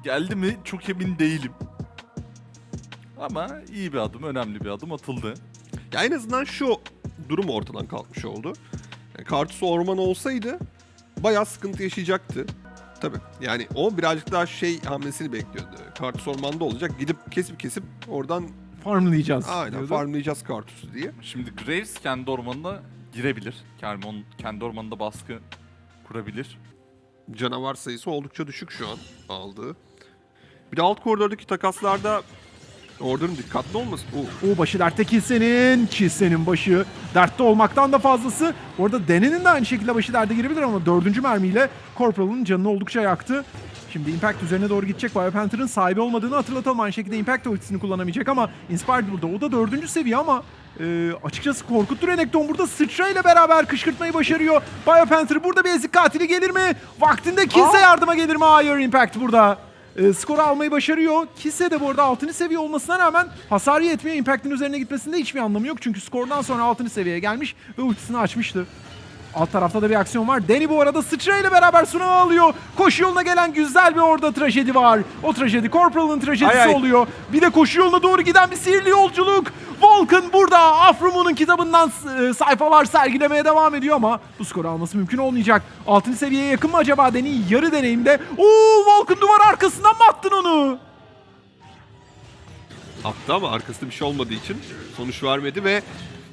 geldi mi çok emin değilim. Ama iyi bir adım, önemli bir adım atıldı. Ya en azından şu durum ortadan kalkmış oldu. Yani Kartus orman olsaydı bayağı sıkıntı yaşayacaktı. Tabii yani o birazcık daha hamlesini bekliyordu. Kartus ormanda olacak, gidip kesip oradan Farmlayacağız. aynen diyordu. farmlayacağız Kartus'u diye. Şimdi Graves kendi ormanına girebilir. Kendi ormanında baskı kurabilir. Canavar sayısı oldukça düşük şu an aldığı. Bir de alt koridordaki takaslarda Order'ın dikkatli olması. O başı dertte Kisse'nin başı dertte olmaktan da fazlası. Orada Dene'nin de aynı şekilde başı derde girebilir ama 4. mermiyle Corporal'ın canını oldukça yaktı. Şimdi Impact üzerine doğru gidecek. Biopanther'ın sahibi olmadığını hatırlatalım. Aynı şekilde Impact de ultisini kullanamayacak ama Inspired burada. O da 4. seviye ama açıkçası korkuttu. Renekton burada sıçrayla beraber kışkırtmayı başarıyor. Biopanther burada bir ezik katili gelir mi? Vaktinde Kisse yardıma gelir mi? Hayır, Impact burada. Skoru almayı başarıyor. Kisse de bu arada 6. seviye olmasına rağmen hasarı yetmiyor. Impact'in üzerine gitmesinde hiçbir anlamı yok. Çünkü skordan sonra 6. seviyeye gelmiş ve ultisini açmıştı. Alt tarafta da bir aksiyon var. Danny bu arada sıçrayla beraber sunağı alıyor. Koşu yoluna gelen güzel bir orada trajedi var. O trajedi Corporal'ın trajedisi oluyor. Bir de koşu yoluna doğru giden bir sihirli yolculuk. Vulcan burada Afrumu'nun kitabından sayfalar sergilemeye devam ediyor ama bu skoru alması mümkün olmayacak. 6. seviyeye yakın mı acaba Danny? Yarı deneyimde. Vulcan duvar arkasından mı attın onu? Attı ama arkasında bir şey olmadığı için sonuç vermedi ve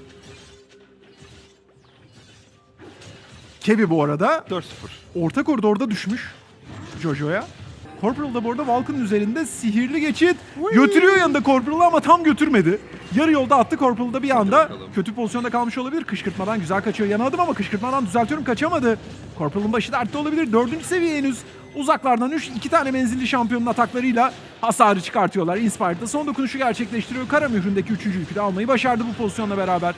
Kevi bu arada 4-0. orta koridorda düşmüş Jojo'ya. Corporal da bu arada Vulcan'ın üzerinde sihirli geçit götürüyor yanında Corporal'ı ama tam götürmedi. Yarı yolda attı Corporal'da bir anda. Kötü pozisyonda kalmış olabilir. Kışkırtmadan güzel kaçıyor. Yana adım ama kışkırtmadan düzeltiyorum, kaçamadı. Corporal'ın başı dertte olabilir. 4. seviye henüz. Uzaklardan 2 tane menzilli şampiyonun ataklarıyla hasarı çıkartıyorlar. Inspired'da son dokunuşu gerçekleştiriyor. Kara mühründeki 3. yükü de almayı başardı bu pozisyonla beraber.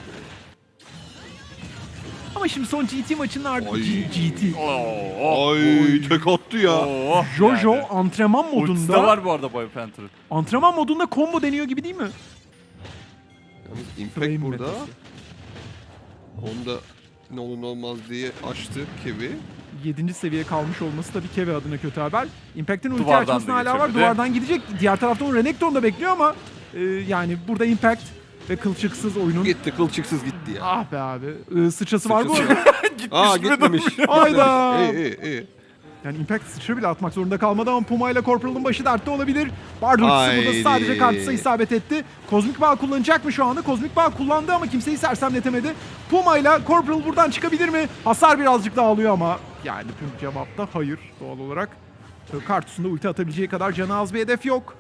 Ama şimdi son GT maçının ardından... GT. Ay tek attı ya. Jojo Yani. antrenman Ultisi de modunda... var bu arada Biopanther'ın. Antrenman modunda combo deniyor gibi değil mi? Yalnız Impact Frame burada. metası. Onda ne olur ne olmaz diye açtı Kevi. 7. seviye kalmış olması tabii Kevi adına kötü haber. Impact'in ulti Duvardan açmasına da hala var. geçebilir. Duvardan gidecek. Diğer tarafta o Renekton da bekliyor ama yani burada Impact ve kılçıksız oyunun... Gitti kılçıksız gitti ya. Ah be abi. Sıçrası var bu Sıçrası. arada. Aa gitmemiş. Hayda. İyi. Yani Impact sıçra bile atmak zorunda kalmadı ama Puma ile Corporal'ın başı dertte olabilir. Bardur ultisi burada Haydi. sadece Kartus'a isabet etti. Kozmik Bağ kullanacak mı şu anda? Kozmik Bağ kullandı ama kimseyi sersemletemedi. Puma ile Corporal buradan çıkabilir mi? Hasar birazcık daha alıyor ama yani tüm cevap da hayır doğal olarak. Kartus'un da ulti atabileceği kadar canı az bir hedef yok.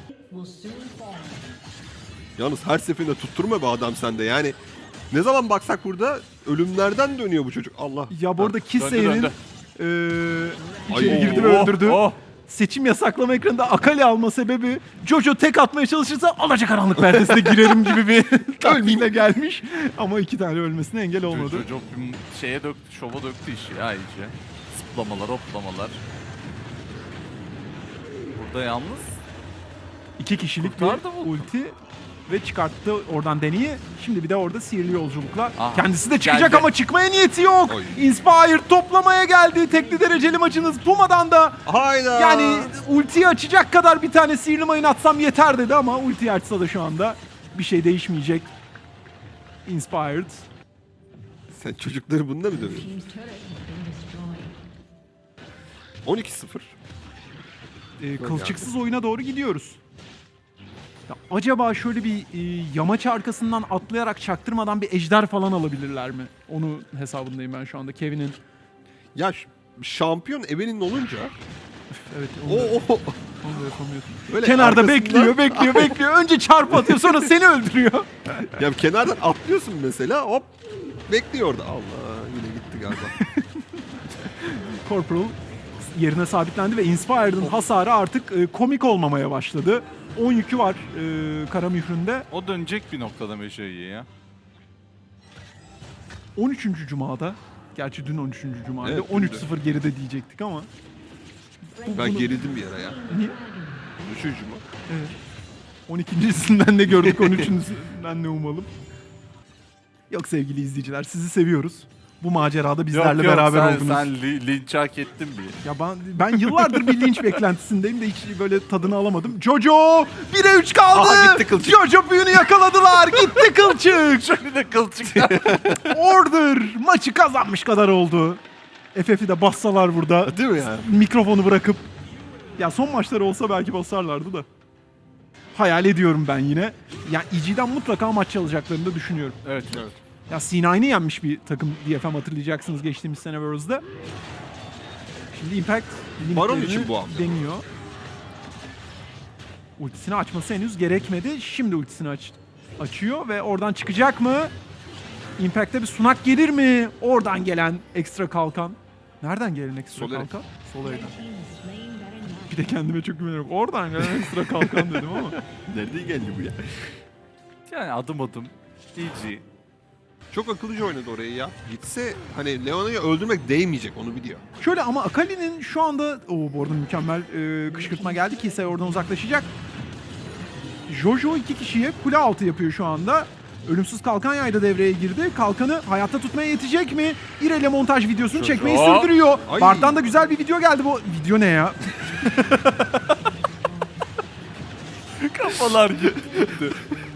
Yalnız her seferinde tutturma be adam sende yani. Ne zaman baksak burada ölümlerden dönüyor bu çocuk. Allah. Ya bu arada Döndü, Kisse'nin döndü. içeri Ay. girdi ve öldürdü. Oh. Seçim yasaklama ekranında Akali alma sebebi Jojo tek atmaya çalışırsa alacakaranlık perdesine girerim gibi bir tahminle gelmiş. Ama 2 tane ölmesine engel olmadı. Jojo şeye döktü, şova döktü işi ya iyice. Zıplamalar, hoplamalar. Burada yalnız 2 kişilik bir Kurtardı bu. ulti ve çıkarttı oradan Danny'i. Şimdi bir de orada sihirli yolculukla. Aha, Kendisi de çıkacak geldi. ama çıkmaya niyeti yok. Oy. Inspired toplamaya geldi. Tekli dereceli maçınız Puma'dan da. Hayda. Yani ultiyi açacak kadar bir tane sihirli mayın atsam yeter dedi ama ultiyi açsa da şu anda bir şey değişmeyecek. Inspired. Sen çocukları bunda mı dövüyorsun? 12-0. Kılçıksız oyuna doğru gidiyoruz. Ya acaba şöyle bir yamaç arkasından atlayarak çaktırmadan bir ejder falan alabilirler mi? Onu hesabındayım ben şu anda Kevin'in. Ya şampiyon Evelyn olunca Evet o onu da yapamıyorsun. böyle Kenarda arkasından- bekliyor. Önce çarp atıyor sonra seni öldürüyor. Ya kenardan atlıyorsun mesela hop bekliyor orada. Allah yine gitti galiba. Corporal yerine sabitlendi ve Inspired'ın hasarı artık komik olmamaya başladı. 10 yükü var kara mühründe. o dönecek bir noktada Meşe'yi ya. 13. Cuma'da, gerçi dün 13. Cuma'ydı. Evet, 13-0 geride diyecektik ama. Ben gerildim bir ara ya. Niye? Üçüncü mü? Evet. 12.sinden de gördük, 13.sinden ne umalım. Yok sevgili izleyiciler, sizi seviyoruz. bu macerada bizlerle Yok, beraber sen, oldunuz. Sen linç hak ettin bir. Ya ben yıllardır bir linç beklentisindeyim de hiç böyle tadını alamadım. Jojo 1'e 3 kaldı. Aha, gitti kılçık. Jojo büyünü yakaladılar. Gitti kılçık. Şöyle de kılçık. Order maçı kazanmış kadar oldu. FF'i de bassalar burada. Değil mi yani? Mikrofonu bırakıp. Ya son maçları olsa belki basarlardı da. Hayal ediyorum ben yine. Ya EG'den mutlaka maç çalacaklarını da düşünüyorum. Evet. Ya C9'ı yenmiş bir takım DFM hatırlayacaksınız geçtiğimiz sene Worlds'da. Şimdi Impact Baron limitlerini için bu hamle. deniyor. Ultisini açması henüz gerekmedi. Şimdi ultisini açıyor ve oradan çıkacak mı? Impact'te bir sunak gelir mi? Oradan gelen ekstra kalkan. Nereden gelen ekstra Soleri. kalkan? Soler'den. Bir de kendime çok güveniyorum. Oradan gelen ekstra kalkan dedim ama. Nerede geldi bu ya? Yani adım EG. Çok akıllıca oynadı orayı ya. Gitse hani Leona'yı öldürmek değmeyecek, onu biliyor. Şöyle ama Akali'nin şu anda... bu arada mükemmel kışkırtma geldi. Kisay oradan uzaklaşacak. Jojo 2 kişiye kule altı yapıyor şu anda. Ölümsüz kalkan yayda devreye girdi. Kalkanı hayatta tutmaya yetecek mi? İrele montaj videosunu Jojo. çekmeyi sürdürüyor. Ay. Bart'tan da güzel bir video geldi bu. Video ne ya? Kafalar gitti.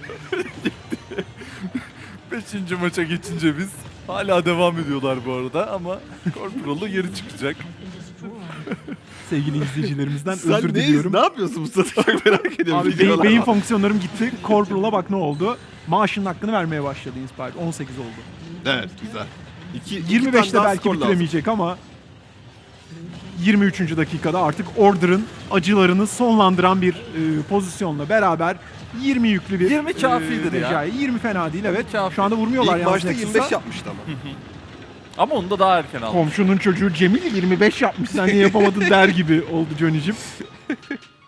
Beşinci maça geçince biz hala devam ediyorlar bu arada ama Corporal'ı geri çıkacak. Sevgili izleyicilerimizden Sen özür diliyorum. ne yapıyorsun bu sırada? Çok merak ediyorum. Abi Videolar beyin var. fonksiyonlarım gitti. Corporal'a bak ne oldu. Maaşının hakkını vermeye başladı Inspired. 18 oldu. Evet, güzel. 25'te belki bitiremeyecek ama 23. dakikada artık Order'ın acılarını sonlandıran bir pozisyonla beraber 20 yüklü bir 20 kafidir ya. Recai. 20 fena değil evet. kafi. Şu anda vurmuyorlar İlk yalnız başta Nexus'a. 25 yapmıştı ama. Ama onu da daha erken aldı. Komşunun çocuğu Cemil 25 yapmış sen niye yapamadın der gibi oldu Johnny'cim.